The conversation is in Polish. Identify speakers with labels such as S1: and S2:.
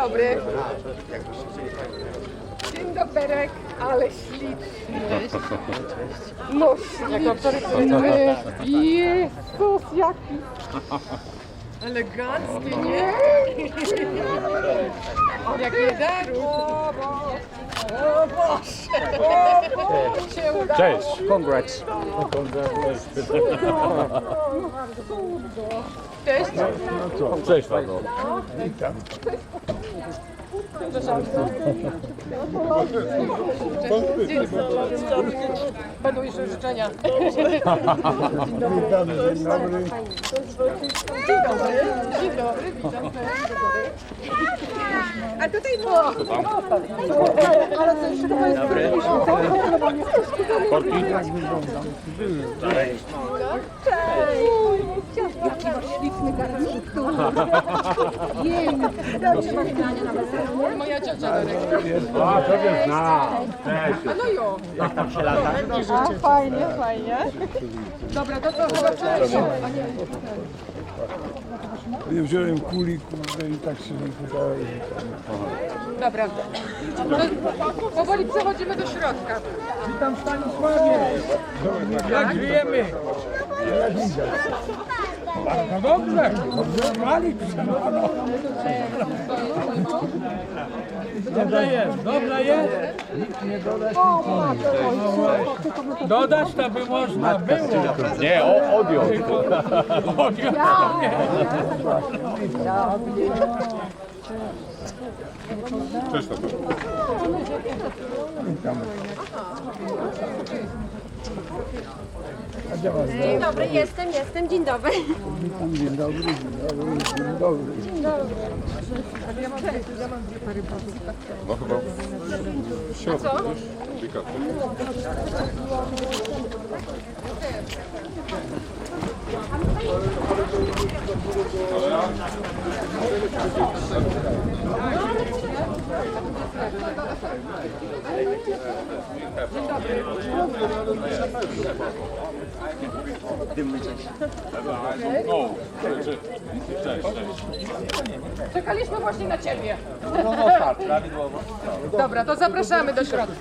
S1: dobry. Dzień doberek, ale śliczny. No śliczny. Jezus, jaki elegancki, nie? Jak nie daru. O Boże. Się udało.
S2: Cześć, congrats.
S1: Cześć.
S2: Cześć Paweł.
S1: Będą jeszcze życzenia. Dzień dobry, witam. A tutaj było. Ale to jeszcze chyba jest
S2: Korki?
S1: Jaki masz śliczny garnitur. Jej, moja ciocia Darek.
S2: A, to wiesz, cześć.
S1: A no jo.
S2: Jak tam się lata?
S1: A, fajnie, fajnie. Dobra, to chyba cześć.
S3: Ja wziąłem kuli, kurde, i tak się nie pytałem.
S1: Dobra. To powoli przechodzimy do środka.
S3: Witam Stanisławie! Jak żyjemy? Jak widzę. No dobrze, dobrze, Malik przemano. Dobrze jest, dobrze jest. Nikt nie dodać, dodać to by można było.
S2: Nie, odjął.
S3: Odjął.
S2: Cześć Paweł.
S4: Dzień dobry, jestem, dzień dobry.
S3: Dzień dobry, dzień dobry, dzień dobry.
S2: No chyba w środku, wiesz?
S1: Czekaliśmy właśnie na ciebie. Dobra, to zapraszamy do środka.